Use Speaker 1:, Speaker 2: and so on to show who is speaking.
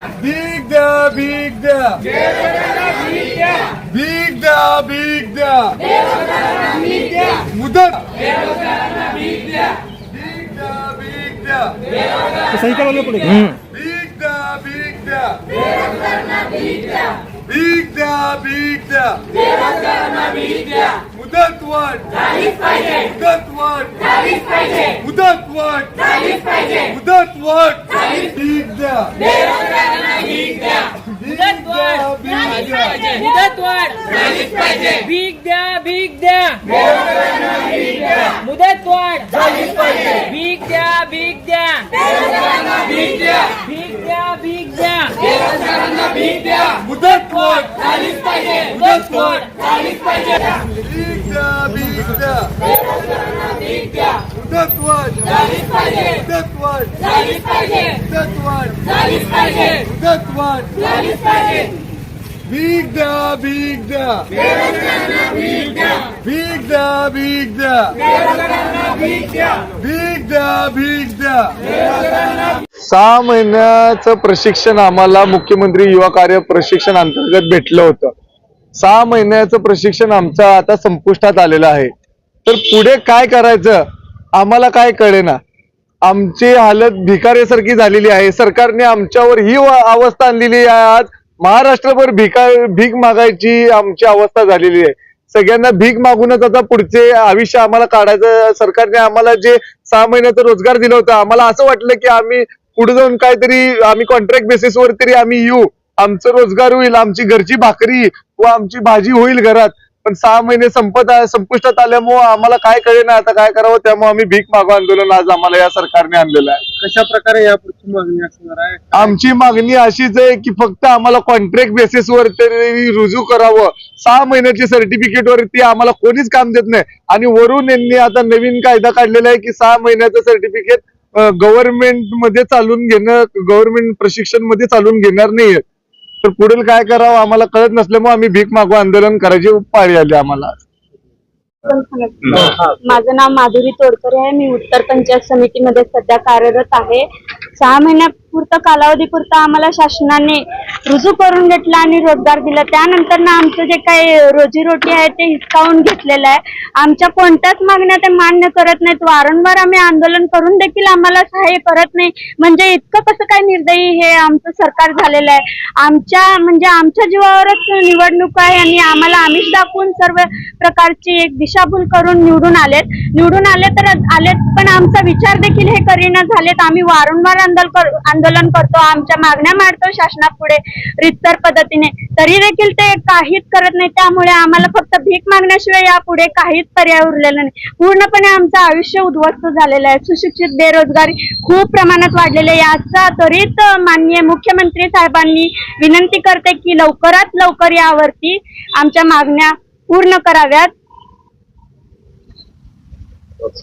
Speaker 1: भीक द्या, भीक द्या, भीक द्या, भीक द्या, मुदत भीक द्या, भीक द्या,
Speaker 2: सही करा पुढे
Speaker 1: भीक द्या, भीक द्या, भीक द्या, भीक द्या, मुदत वाढ, मुदत वाढ, मुदत वाढ, मुदत वाढ, भीक द्या, भीक द्या,
Speaker 3: मुदत वाढ, भीक द्या, भीक द्या, मुदत वाढ, भीक द्या, भीक द्या, भीक द्या, भीक द्या,
Speaker 1: भीक द्या, मुदत वाढ,
Speaker 3: मुदत वाढ,
Speaker 1: भीक द्या, भीक द्या, मुदत वाढ, मुदत वाढ, मुदत वाढ, मुदत वाढ, भीक द्या, भीक द्या, भीक द्या, भीक द्या, भीक द्या, भीक द्या. 6 महिन्याचं प्रशिक्षण आम्हाला मुख्यमंत्री युवा कार्य प्रशिक्षण अंतर्गत भेटलं होतं. 6 महिन्याचं प्रशिक्षण आमचं आता संपुष्टात आलेलं आहे. तर पुढे काय करायचं आम्हाला काय कळेना. आमची हालत भिकाऱ्यासारखी झालेली आहे. सरकारने आमच्यावर ही अवस्था आणलेली आहे. आज महाराष्ट्रभर भीक मागायची आमची अवस्था झालेली आहे. सगळ्यांना भीक मागूनच आता पुढचे आयुष्य आम्हाला काढायचं. सरकारने आम्हाला जे 6 महिन्याचा रोजगार दिला होता, आम्हाला असं वाटलं की आम्ही पुढे जाऊन काहीतरी आम्ही कॉन्ट्रॅक्ट बेसिसवर तरी आम्ही येऊ, आमचं रोजगार होईल, आमची घरची भाकरी व आमची भाजी होईल घरात. पण 6 महिने संपुष्टात आल्यामुळे आम्हाला काय कळेना आता काय करावं. त्यामुळे आम्ही भीक मागो आंदोलन आज आम्हाला या सरकारने आणलेलं आहे.
Speaker 2: कशा प्रकारे यापुढची मागणी असणार आहे?
Speaker 1: आमची मागणी अशीच आहे की फक्त आम्हाला कॉन्ट्रॅक्ट बेसिसवर तरी रुजू करावं. 6 महिन्याची सर्टिफिकेट वरती आम्हाला कोणीच काम देत नाही. आणि वरून यांनी आता नवीन कायदा काढलेला आहे की 6 महिन्याचं सर्टिफिकेट गव्हर्नमेंट मध्ये चालून घेणं, गव्हर्नमेंट प्रशिक्षण मध्ये चालून घेणार नाहीये. तर पुढील काय करावं आम्हाला कळत नसल्यामुळे आम्ही भीक मागो आंदोलन करायची पाळी आली आम्हाला.
Speaker 4: माझं नाव माधुरी तोडकर आहे. मी उत्तर पंचायत समितीमध्ये सध्या कार्यरत आहे. 6 महिन्यापुरतं कालावधीपुरतं आम्हाला शासनाने रुजू करून घेतला आणि रोजगार दिला. त्यानंतर ना आमचं जे काही रोजीरोटी आहे ते हिसकावून घेतलेलं आहे. आमच्या कोणत्याच मागण्या ते मान्य करत नाहीत. वारंवार आम्ही आंदोलन करून देखील आम्हाला सहाय्य करत नाही. म्हणजे इतकं कसं काय निर्दयी हे आमचं सरकार झालेलं आहे. आमच्या जीवावरच निवडणूक आहे आणि आम्हाला आमिष दाखवून सर्व प्रकारची एक दिशाभूल करून निवडून आलेत पण आमचा विचार देखील हे करीना झालेत. आम्ही वारंवार आंदोलन करतो, आमच्या मागण्या मांडतो शासनापुढे रितसर पद्धतीने, तरी देखील ते काहीच करत नाही. त्यामुळे आम्हाला फक्त भीक मागण्याशिवाय यापुढे काहीच पर्याय उरलेला नाही. पूर्णपणे आमचं आयुष्य उद्ध्वस्त झालेलं आहे. सुशिक्षित बेरोजगारी खूप प्रमाणात वाढलेली आहे. याचा त्वरित माननीय मुख्यमंत्री साहेबांनी विनंती करते की लवकरात लवकर यावरती आमच्या मागण्या पूर्ण कराव्यात.